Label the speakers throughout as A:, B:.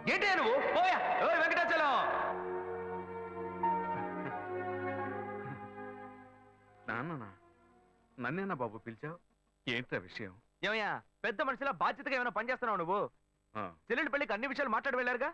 A: ఏంటి నువ్వు పోయా వెంకటాచలం.
B: నాన్న నన్నేనా బాబు పిలిచావు? ఏంట్రా విషయం?
A: ఏమయ్యా పెద్ద మనిషిలా బాధ్యతగా ఏమైనా పని చేస్తున్నావు నువ్వు? చెల్లెలి పెళ్లికి అన్ని విషయాలు మాట్లాడి వెళ్ళారుగా?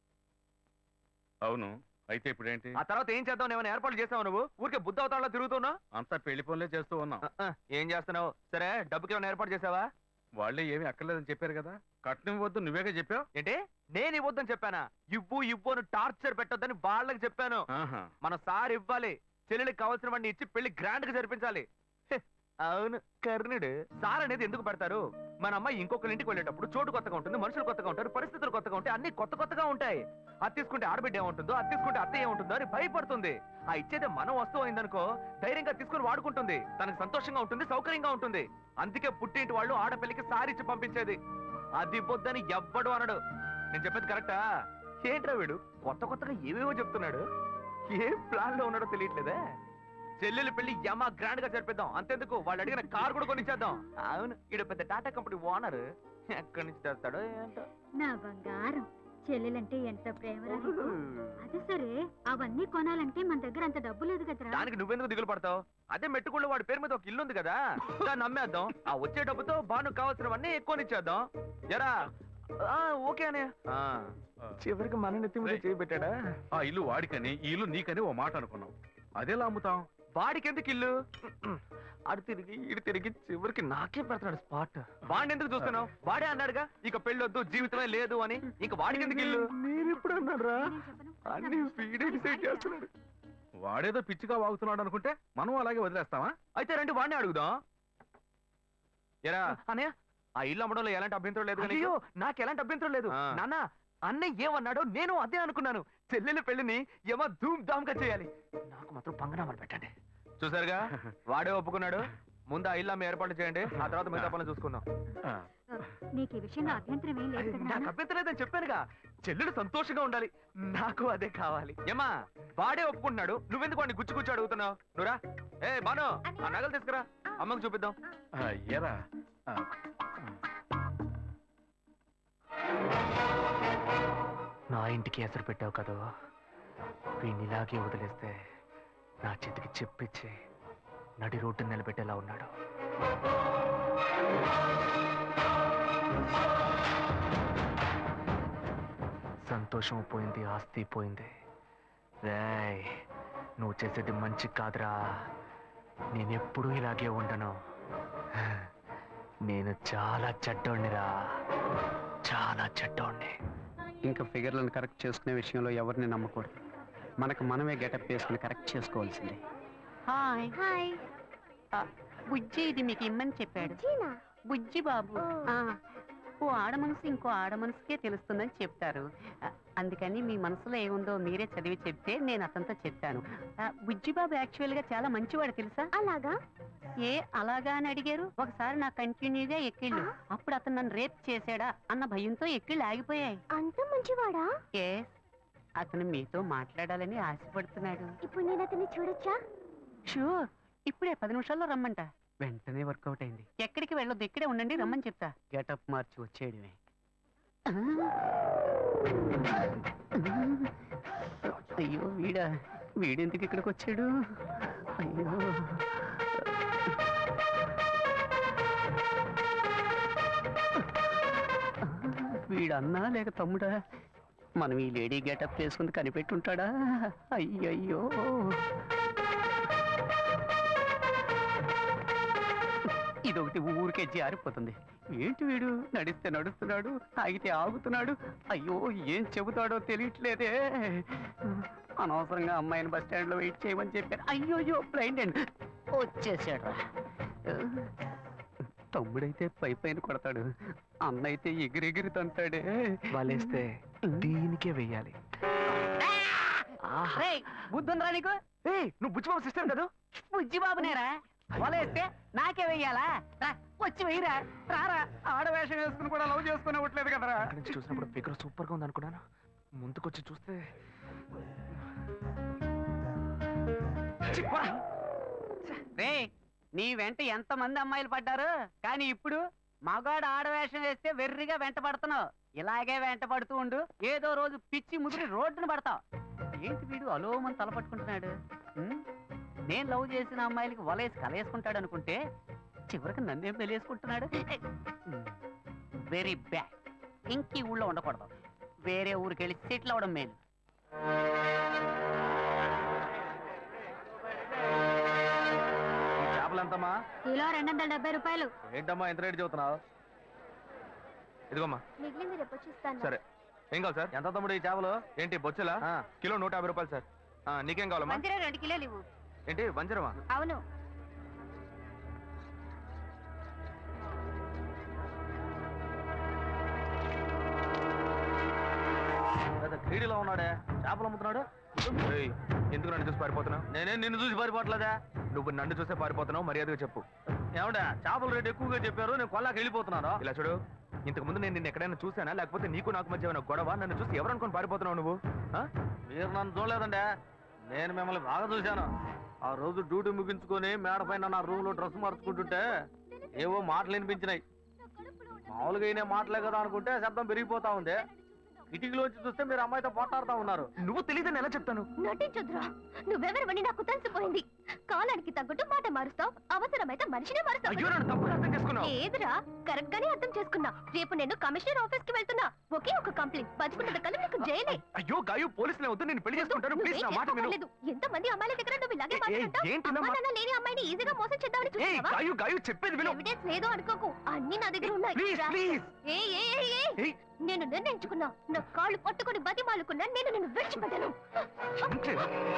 B: అవును, అయితే ఇప్పుడేంటి?
A: ఆ తర్వాత ఏం చేద్దాం? ఏమైనా ఏర్పాట్లు చేస్తావు నువ్వు? ఊరికే బుద్ధ అవతారంలో తిరుగుతున్నావు.
B: అంతా పెళ్లి పనులే చేస్తూ ఉన్నాం.
A: ఏం చేస్తున్నావు? సరే డబ్బుకి ఏమైనా ఏర్పాటు చేసావా?
B: వాళ్ళే ఏమీ అక్కర్లేదని చెప్పారు కదా. కట్నం ఇవ్వద్దు నువ్వేగా చెప్పావు.
A: ఏంటి నేను ఇవ్వద్దని చెప్పానా? ఇవ్వు ఇవ్వు అని టార్చర్ పెట్టొద్దని వాళ్ళకి చెప్పాను. మన సార్ ఇవ్వాలి. చెల్లెలికి కావాల్సిన వాడిని ఇచ్చి పెళ్లి గ్రాండ్ గా జరిపించాలి. అవును కర్ణుడు. సార్ అనేది ఎందుకు పెడతారు? మన అమ్మాయి ఇంకొకరి ఇంటికి వెళ్ళేటప్పుడు చోటు కొత్తగా ఉంటుంది, మనుషులు కొత్తగా ఉంటారు, పరిస్థితులు కొత్తగా ఉంటాయి, అన్ని కొత్తగా ఉంటాయి. అది తీసుకుంటే ఆడబిడ్డ ఏముంటుందో, అది తీసుకుంటే అత్త ఏముంటుందో అని భయపడుతుంది. ఆ ఇచ్చేదే మనం వస్తువు అయిందనుకో ధైర్యంగా తీసుకుని వాడుకుంటుంది. తనకు సంతోషంగా ఉంటుంది, సౌకర్యంగా ఉంటుంది. అందుకే పుట్టింటి వాళ్ళు ఆడపిల్లకి సారిచ్చి పంపించేది. అది పొద్దని ఎవ్వడు అనడు. నేను చెప్పేది కరెక్టా? ఏంట్రా వీడు కొత్తగా ఏవేవో చెప్తున్నాడు. ఏ ప్లాన్ లో ఉన్నాడో తెలియట్లేదే. చెల్లెలు పెళ్లి యమా గ్రాండ్ గా జరిపిద్దాం. అంతెందుకు వాళ్ళు అడిగిన కార్ కూడా కొనిచ్చేద్దాం. అవును ఈడ పెద్ద టాటా కంపెనీ ఓనర్. ఎక్కడి నుంచి తెస్తాడో ఏంటో.
C: నా బంగారం చెల్లెలంటే ఎంత ప్రేమ. అదే సరే అవన్నీ కొనాలంటే మన దగ్గర అంత డబ్బు లేదు కదరా.
A: దానికి నువ్వెందుకు దిగులు పడతావు? అదే మెట్టుకుళ్ళు వాడి పేరు మీద ఒక ఇల్లు ఉంది కదా, దాన్ని అమ్మేద్దాం. ఆ వచ్చే డబ్బుతో బాను కావాల్సినవన్నీ కొనిచ్చేద్దాం. ఎరా ఓకే అనే. చివరికి మన నెత్తి మీద చేయబెట్టాడా?
B: ఆ ఇల్లు వాడికని ఈ ఇల్లు నీకని ఓ మాట అనుకున్నాం. అదేలా అమ్ముతాం?
A: వాడికి ఎందుకు ఇల్లు? అడు తిరిగి ఇటు తిరిగి చివరికి నాకే పెడతాడు స్పాట్. వాడిని ఎందుకు చూస్తున్నావు? వాడే అన్నాడుగా ఇక పెళ్ళొద్దు జీవితమే లేదు అని. ఇక వాడికి ఎందుకు ఇల్లు? నేను ఎప్పుడు అన్నారా? అన్ని వీడే డిసైడ్ చేస్తున్నాడు.
B: వాడేదో పిచ్చిగా వాగుతున్నాడు అనుకుంటే మనం అలాగే వదిలేస్తావా?
A: అయితే రండి వాడిని అడుగుదాం. ఎరా అన్నయ్య ఆ ఇల్లు అమ్మడంలో ఎలాంటి అభ్యంతరం లేదు. అయ్యో నాకు ఎలాంటి అభ్యంతరం లేదు నాన్న. అన్నయ్య ఏమన్నాడో నేను అదే అనుకున్నాను. చెల్లెల పెళ్లిని ఏమో ధూమ్ ధామ్ గా చేయాలి. నాకు మాత్రం పంగనామాలు పెట్టండి. చూసారుగా వాడే ఒప్పుకున్నాడు. ముందు ఆ ఇల్లు అమ్మ ఏర్పాటు చేయండి, ఆ తర్వాత మిగతా పనులు చూసుకుందాం.
C: నీకు ఈ విషయంలో అభ్యంతరం ఏం లేదు కదా?
A: నాకు అభ్యంతరం లేదని చెప్పానుగా. చెల్లెలు సంతోషంగా ఉండాలి, నాకు అదే కావాలి. ఏమా వాడే ఒప్పుకుంటున్నాడు, నువ్వెందుకు వాడిని గుచ్చి అడుగుతున్నావు? నువ్వురా ఏ బాను ఆ నగలు తీసుకురా, అమ్మకు చూపిద్దాం.
B: ఎరా
A: నా ఇంటికి ఎసరు పెట్టావు కదా, వీడిని ఇలాగే వదిలేస్తే నా చేతికి చెప్పిచ్చి నడి రోడ్డు నిలబెట్టేలా ఉన్నాడు. సంతోషం పోయింది, ఆస్తి పోయింది. రేయ్ నువ్వు చేసేది మంచి కాదురా. నేనెప్పుడూ ఇలాగే ఉండను. నేను చాలా చెడ్డోణ్ణిరా, చాలా చెడ్డోణ్ణి.
D: ఇంకా ఫిగర్లను కరెక్ట్ చేసుకునే విషయంలో ఎవరిని నమ్మకూడదు. మనకు మనమే గెటప్ వేసుకుని కరెక్ట్ చేసుకోవాల్సిందే.
E: Hi
C: hi.
E: బుజ్జి ఇది మీకు ఇమ్మని చెప్పాడు. బుజ్జి బాబు. ఓ ఆడ మనసు ఇంకో ఆడ మనసుకే తెలుస్తుందని చెప్తారు. అందుకని మీ మనసులో ఏముందో మీరే చదివి చెప్తే నేను అతనితో చెప్పాను. బుజ్జి బాబు యాక్చువల్ గా చాలా మంచివాడు తెలుసా?
C: అలాగా?
E: ఏ అలాగా అని అడిగారు. ఒకసారి నాకు కంటిన్యూగా ఎక్కిళ్ళు. అప్పుడు అతను నన్ను రేప్ చేశాడా అన్న భయంతో ఎక్కిళ్ళు ఆగిపోయాయి.
C: అంత మంచివాడా?
E: ఏ అతను మీతో మాట్లాడాలని ఆశపడుతున్నాడు.
C: ఇప్పుడు నేను అతన్ని చూడొచ్చా?
E: షూర్, ఇప్పుడే 10 నిమిషాల్లో రమ్మంట.
D: వెంటనే వర్కౌట్ అయింది.
E: ఎక్కడికి వెళ్ళొద్దు, ఇక్కడే ఉండండి, రమ్మని చెప్తా.
D: గెటప్ మార్చి వచ్చేయడమే.
E: అయ్యో వీడెందుకు ఇక్కడికి వచ్చాడు? అయ్యో వీడన్నా లేక తమ్ముడా? మనం ఈ లేడీ గెటప్ వేసుకుని కనిపెట్టుంటాడా? అయ్యయ్యో ఇదొకటి ఊరికే జారిపోతుంది. ఏంటి వీడు నడిస్తే నడుస్తున్నాడు, ఆగితే ఆగుతున్నాడు. అయ్యో ఏం చెబుతాడో తెలియట్లేదే. అనవసరంగా అమ్మాయిని బస్ స్టాండ్ లో వెయిట్ చేయమని చెప్పారు. అయ్యోయ్యో బ్లైండ్ అండ్ వచ్చేసాడు. తమ్ముడైతే పైన కొడతాడు, అన్న అయితే ఎగిరెగిరి తంతాడే.
A: వాళ్ళేస్తే దీనికే వెయ్యాలి.
E: బుద్ధుందిరా నీకు?
A: నువ్వు బుచ్చిబాబు సిస్టర్ కదా?
E: బుజ్జి బాబునేరా వలేస్తే నాకే వెయ్యాలా? వచ్చి వెయ్యరా, రారా.
D: ఆడవేషం వేసుకుని కూడా లవ్ చేసుకుని అవ్వట్లేదు కదరా.
A: అక్కడి నుంచి చూసినప్పుడు ఫిగర్ సూపర్ గా ఉంది అనుకున్నాను. ముందుకొచ్చి చూస్తే
E: రే నీ వెంట ఎంత మంది అమ్మాయిలు పడ్డారు, కానీ ఇప్పుడు మగాడు ఆడవేషం వేస్తే వెర్రిగా వెంట పడుతున్నావు. ఇలాగే వెంట పడుతూ ఉండు, ఏదో రోజు పిచ్చి ముదిరి రోడ్డును పడతావు. ఏంటి వీడు అలోమని తలపట్టుకుంటున్నాడు? నేను లవ్ చేసిన అమ్మాయిలకి వలేసి కలేసుకుంటాడు అనుకుంటే చివరికి నన్నేం పెళ్ళేసుకుంటున్నాడు. Very bad. ఇంకీ ఊళ్ళో ఉండకూడదు, వేరే ఊరికి వెళ్ళి సెటిల్ అవడం మేలు.
A: చేపలు ఎంతమ్మా?
C: కిలో 270 రూపాయలు.
A: ఏంటమ్మా ఎంత రేటు చెబుతున్నావు? ఇదిగోమ్మా.
C: మిగిలింది రేపు వచ్చి ఇస్తాను.
A: సరే, ఏం కావాలి సార్? ఎంత తమ్ముడు ఈ చేపలు? ఏంటి బొచ్చులా? కిలో 150 రూపాయలు సార్. నీకేం కావాలమ్మా?
E: 2 కిలోలు ఇవ్వు.
A: ఏంటి వంజరమా?
C: అవును.
A: క్రీడలో ఉన్నాడే, చేపలు అమ్ముతున్నాడు. ఎందుకు నన్ను చూసి పారిపోతున్నావు? నేనేం నిన్ను చూసి పారిపోవట్లేదా? నువ్వు నన్ను చూసే పారిపోతున్నావు, మర్యాదగా చెప్పు. ఏమంటే చేపల రేటు ఎక్కువగా చెప్పారు, నేను కొల్లాకి వెళ్ళిపోతున్నాను. ఇలా చూడు, ఇంతకు ముందు నేను నిన్ను ఎక్కడైనా చూసానా, లేకపోతే నీకు నాకు మధ్య ఏమైనా గొడవ? నన్ను చూసి ఎవరు అనుకుని పారిపోతున్నావు నువ్వు? మీరు నన్ను చూడలేదండి, నేను మిమ్మల్ని బాగా చూశాను. ఆ రోజు డ్యూటీ ముగించుకొని మేడ పైన నా రూమ్ లో డ్రెస్ మార్చుకుంటుంటే ఏవో మాటలు వినిపించినాయి. మామూలుగా అయినా మాటలే కదా అనుకుంటే శబ్దం పెరిగిపోతా ఉంది. కిటికీలోంచి చూస్తే మీరు అమ్మాయితో పోటాడుతా ఉన్నారు. నువ్వు తెలియదని ఎలా చెప్తాను?
C: నటించొద్దురా, నువ్వెవరివని నాకు తెలిసిపోయింది. కాలానికి తగ్గట్టు మాట మారుస్తావు, అవసరమైతే మనిషినే మారుస్తావు.
A: అయ్యో, నన్ను తప్పుగా అర్థం చేసుకున్నావు.
C: ఏదిరా, కరెక్ట్ గానే అర్థం చేసుకున్నా. రేపు నేను కమిషనర్ ఆఫీస్ కి వెళ్తున్నా. ఒకే ఒక కంప్లైంట్, బతుకున్నది కళ్ళు నీకు జైలే.
A: అయ్యో గాయు, పోలీసులే వద్దు, నేను పెళ్లి చేసుకుంటాను. ప్లీజ్ నా మాట విను.
C: ఎంత మంది అమ్మాయిల దగ్గర నువ్వు ఇలాగే మాట్లాడతావు?
A: ఏంటి
C: అమ్మా నాన్న లేని అమ్మాయిని ఈజీగా మోసం చేద్దామని
A: ఏయ్
C: చూస్తావా?
A: గాయు, గాయు చెప్పేది విను.
C: ఎవిడెన్స్ లేదు అనుకోకు, అన్ని నా దగ్గర ఉన్నాయి.
A: Please please.
C: ఏయ్ ఏయ్ ఏయ్ ఏయ్,
A: ఏయ్,
C: నేను నిర్ణయించుకున్నా. నా కాళ్ళు పట్టుకొని బతిమాలుకున్నా, నేను నిన్ను విడిచిపెట్టను.
A: అంటే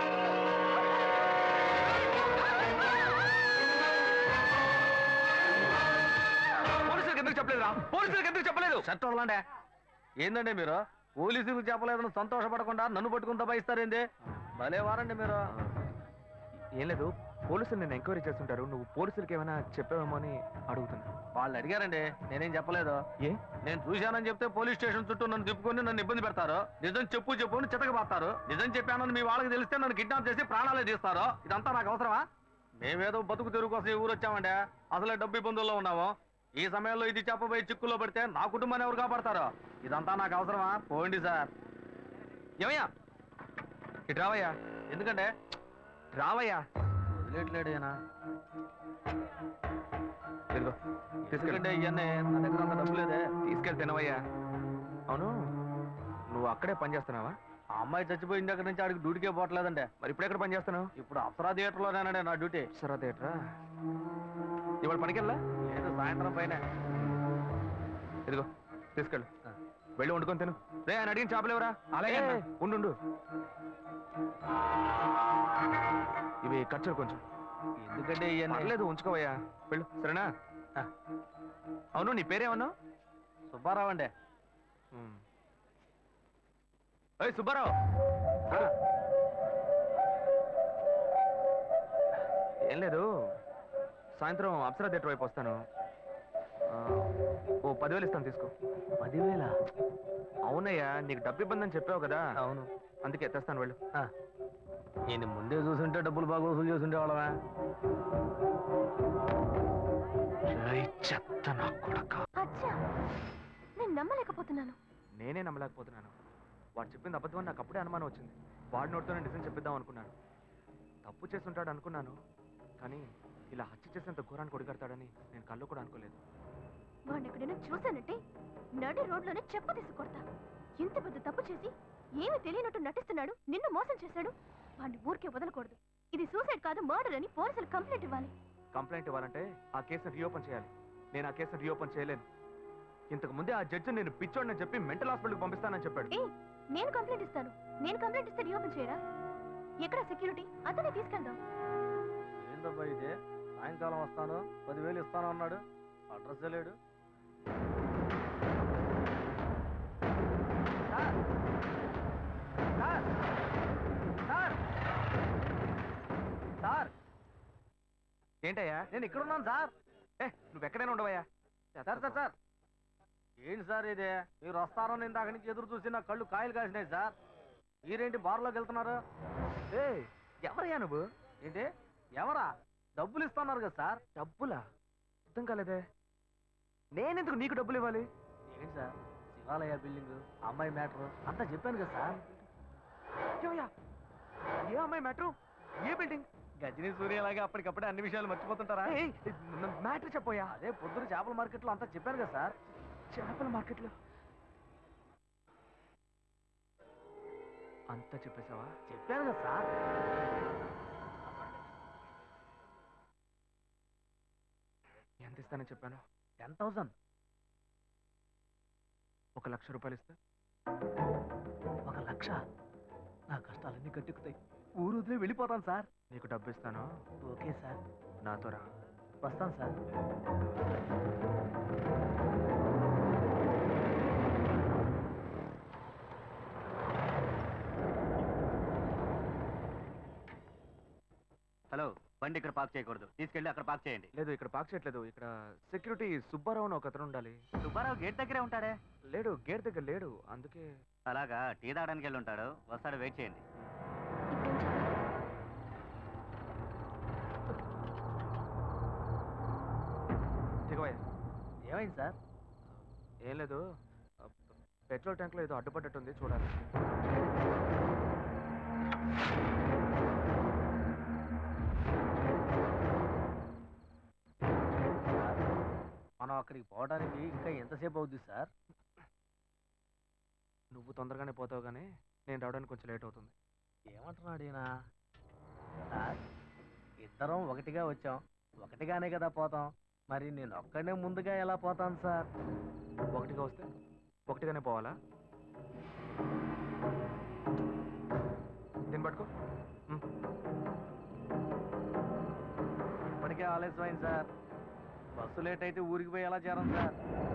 A: పోలీసులకు ఎందుకు చెప్పలేదురా? పోలీసులకు ఎందుకు చెప్పలేదు? చట్టంలాండే ఏందండి మీరు? పోలీసులకు చెప్పలేదని సంతోషపడకుండా నన్ను పట్టుకుని దబాయిస్తారేంది? భలే వారండి మీరు. ఏం లేదు, పోలీసులు నేను ఎంక్వైరీ చేస్తుంటారు. నువ్వు పోలీసులకి ఏమైనా చెప్పావేమో అని అడుగుతున్నా. వాళ్ళు అడిగారండి, నేనేం చెప్పలేదు. ఏ? నేను చూశానని చెప్తే పోలీస్ స్టేషన్ చుట్టూ నన్ను తిప్పుకొని నన్ను ఇబ్బంది పెడతారు. నిజం చెప్పు అని చితకబాస్తారు. నిజం చెప్పానని మీ వాళ్ళకి తెలిస్తే నన్ను కిడ్నాప్ చేసి ప్రాణాలే తీస్తారు. ఇదంతా నాకు అవసరమా? మేమేదో బతుకు తెరుగు కోసం ఈ ఊరు వచ్చామండి, అసలే డబ్బు ఇబ్బందుల్లో ఉన్నాము. ఈ సమయంలో ఇది చెప్పబోయి చిక్కుల్లో పడితే నా కుటుంబాన్ని ఎవరు కాపాడతారో? ఇదంతా నాకు అవసరమా? పోండి సార్. ఏమయ్యా, ఇటు రావయ్యా. ఎందుకంటే రావయ్యా. వదిలేట్లేడేనా? ఇదిగో తీసుకెళ్ళండి. ఇవన్నీ నా దగ్గర అంత డబ్బు లేదే. తీసుకెళ్ళి తినవయ్యా. అవును, నువ్వు అక్కడే పని చేస్తున్నావా? ఆ అమ్మాయి చచ్చిపోయిన దగ్గర నుంచి ఆడికి డ్యూటీకే పోవట్లేదంటే. మరి ఇప్పుడు ఎక్కడ పని చేస్తున్నావు? ఇప్పుడు అప్సరా థియేటర్లోనేనండి నా డ్యూటీ. అప్సరా థియేటరా? ఇవాళ పనికెళ్ళా? లేదు, సాయంత్రం పైన. ఇదిగో తీసుకెళ్ళు, వెళ్ళి వండుకొని తిను. రే, ఆయన అడిగిన చేపలు ఎవరా? అలాగే ఉండు. ఇవి ఖర్చులు కొంచెం. ఎందుకంటే లేదు, ఉంచుకోవయ్యా. వెళ్ళు, సరేనా? అవును, నీ పేరేమన్నావు? సుబ్బారావు అండి. సుబ్బారావు, ఏం లేదు, సాయంత్రం అప్సరా థియేటర్ వైపు వస్తాను. ఓ 10,000 ఇస్తాను, తీసుకో. 10,000? అవునయ్యా, నీకు డబ్బు ఇబ్బంది అని చెప్పావు కదా. అవును, అందుకే తెస్తాను, వెళ్ళు. నేను ముందే చూసుంటే డబ్బులు బాగా వసూలు చేస్తుంటే వాళ్ళవా? చెత్త నా కొడక.
C: నేను నమ్మలేకపోతున్నాను.
A: నేనే నమ్మలేకపోతున్నాను. వాడు చెప్పింది అబద్ధం అని నాకు అప్పుడే అనుమానం వచ్చింది. వాడి నోటితోనే నిజం చెప్పిద్దాం అనుకున్నాను. తప్పు చేస్తుంటాడు అనుకున్నాను, కానీ ఇలా హత్య చేసేంత ఘోరాన్ని కొడిగడతాడని నేను కళ్ళు కూడా అనుకోలేదు.
C: వాడిని ఎక్కడైనా చూశానంటే నడి రోడ్లోనే చెప్పు తీసి కొడతా. ఇంత పెద్ద తప్పు చేసి ఏమీ తెలియనట్టు నటిస్తున్నాడు, నిన్ను మోసం చేశాడు. వాడిని ఊరికే వదలకూడదు. ఇది సూసైడ్ కాదు, మర్డర్ అని పోలీసులు కంప్లైంట్ ఇవ్వాలి.
A: కంప్లైంట్ ఇవ్వాలంటే ఆ కేసును రీఓపెన్ చేయాలి. నేను ఆ కేసును రీఓపెన్ చేయలేను. ఇంతకు ముందే ఆ జడ్జి నేను పిచ్చోడని చెప్పి మెంటల్ హాస్పిటల్కి పంపిస్తానని చెప్పాడు.
C: నేను కంప్లైంట్ ఇస్తాను. నేను కంప్లైంట్ ఇస్తే రీఓపెన్ చేయరా? ఎక్కడ సెక్యూరిటీ? అతనే తీసుకెళ్దాం.
A: ఏందబ్బా ఇదే, సాయంకాలం వస్తాను 10,000 ఇస్తాను అన్నాడు, అడ్రస్ లేడు. సార్, ఏంటయ్యా? నేను ఇక్కడ ఉన్నాను సార్. నువ్వు ఎక్కడైనా ఉండవయ్యా. సార్ సార్ సార్, ఏంటి సార్ ఇదే? మీరు వస్తారని ఇందాక నుంచి ఎదురు చూసి నా కళ్ళు కాయలు కాసినాయి సార్. మీరేంటి బార్లోకి వెళ్తున్నారు? ఎవరయ్యా నువ్వు? ఏంటి ఎవరా? డబ్బులు ఇస్తున్నారు కదా సార్. డబ్బులా? అర్థం కాలేదే. నేనెందుకు నీకు డబ్బులు ఇవ్వాలి?
F: ఏంటి సార్, శివాలయ బిల్డింగ్ అమ్మాయి మ్యాటర్ అంతా చెప్పాను కదా సార్.
A: ఏమయ్యా, ఏ అమ్మాయి మ్యాటర్? ఏ బిల్డింగ్?
F: గజనీ సూర్యలాగా అప్పటికప్పుడే అన్ని విషయాలు మర్చిపోతుంటారా?
A: మ్యాటర్ చెప్పోయా.
F: అదే పొద్దున చేపల మార్కెట్లో అంతా చెప్పాను కదా సార్.
A: చేపల మార్కెట్లో అంతా చెప్పేశావా?
F: చెప్పాను కదా సార్.
A: ఎంత ఇస్తానని చెప్పాను?
F: 10,000.
A: 1,00,000 రూపాయలు ఇస్తా.
F: 1,00,000? నా కష్టాలన్నీ కట్టుకుతాయి. ఊరు వదిలే వెళ్ళిపోతాను సార్.
A: నీకు డబ్బు ఇస్తాను,
F: ఓకే సార్.
A: నాతో రా.
F: వస్తాను సార్.
G: హలో, బండి ఇక్కడ పార్క్ చేయకూడదు, తీసుకెళ్ళి అక్కడ పార్క్ చేయండి.
A: లేదు, ఇక్కడ పార్క్ చేయట్లేదు. ఇక్కడ సెక్యూరిటీ సుబ్బారావు అని ఒక అతను ఉండాలి.
G: సుబ్బారావు గేట్ దగ్గరే ఉంటాడే.
A: లేడు, గేట్ దగ్గర లేడు, అందుకే.
G: అలాగా, టీ తాగడానికి వెళ్ళి ఉంటాడు, వస్తాడు, వెయిట్ చేయండి.
A: దిగవయ్యా.
F: ఏమైంది సార్?
A: ఏం లేదు, పెట్రోల్ ట్యాంక్లో ఏదో అడ్డుపడ్డట్టుంది, చూడాలి.
F: మనం అక్కడికి పోవడానికి ఇంకా ఎంతసేపు అవుద్ది సార్?
A: నువ్వు తొందరగానే పోతావు, కానీ నేను రావడానికి కొంచెం లేట్ అవుతుంది.
F: ఏమంటున్నాడు ఈయన? సార్, ఇద్దరం ఒకటిగా వచ్చాం, ఒకటిగానే కదా పోతాం. మరి నేను ఒక్కడే ముందుగా ఎలా పోతాను సార్?
A: ఒకటిగా వస్తే ఒకటిగానే పోవాలా? దీన్ని పట్టుకో.
F: ఇప్పటికే ఆలస్యమైంది సార్. బస్సు లేట్ అయితే ఊరికి పోయి ఎలా చేరం సార్?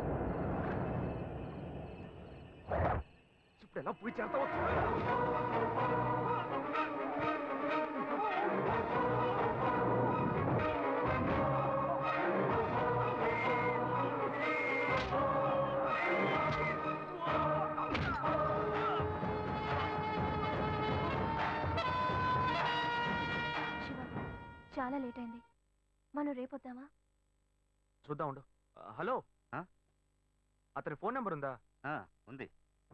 A: ఇప్పుడు ఎలా పోయి చేస్తావు?
C: చాలా లేట్ అయింది, మనం రేపొద్దామా?
A: చూద్దాం, ఉండు. హలో, అతని ఫోన్ నెంబర్ ఉందా?
G: ఉంది.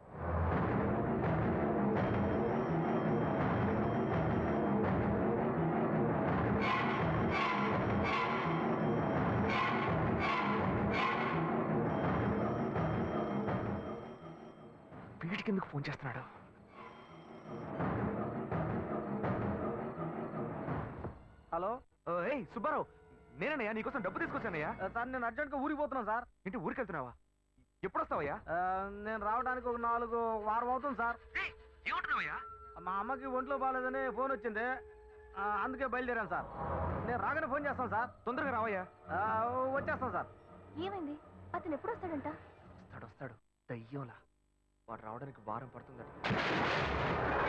A: వీడికి ఎందుకు ఫోన్ చేస్తున్నాడు?
F: హలో,
A: ఏయ్ సుబ్బారావు, నేనయ్యా, నీకోసం డబ్బు తీసుకొచ్చానయ్యా.
F: సార్ నేను అర్జెంట్గా ఊరికి పోతున్నాను సార్.
A: ఇంటి ఊరికి వెళ్తున్నావా? ఎప్పుడు వస్తావయ్యా?
F: నేను రావడానికి ఒక 4 వారం అవుతుంది సార్.
A: ఏమంటున్నావయ్యా?
F: మా అమ్మకి ఒంట్లో బాగాలేదని ఫోన్ వచ్చింది, అందుకే బయలుదేరాను సార్. నేను రాగానే ఫోన్ చేస్తాను సార్.
A: తొందరగా రావయ్యా.
F: వచ్చేస్తాను సార్.
C: ఏమైంది? అతను ఎప్పుడు వస్తాడంట?
A: వస్తాడు, దయ్యంలా. వాడు రావడానికి వారం పడుతుందట.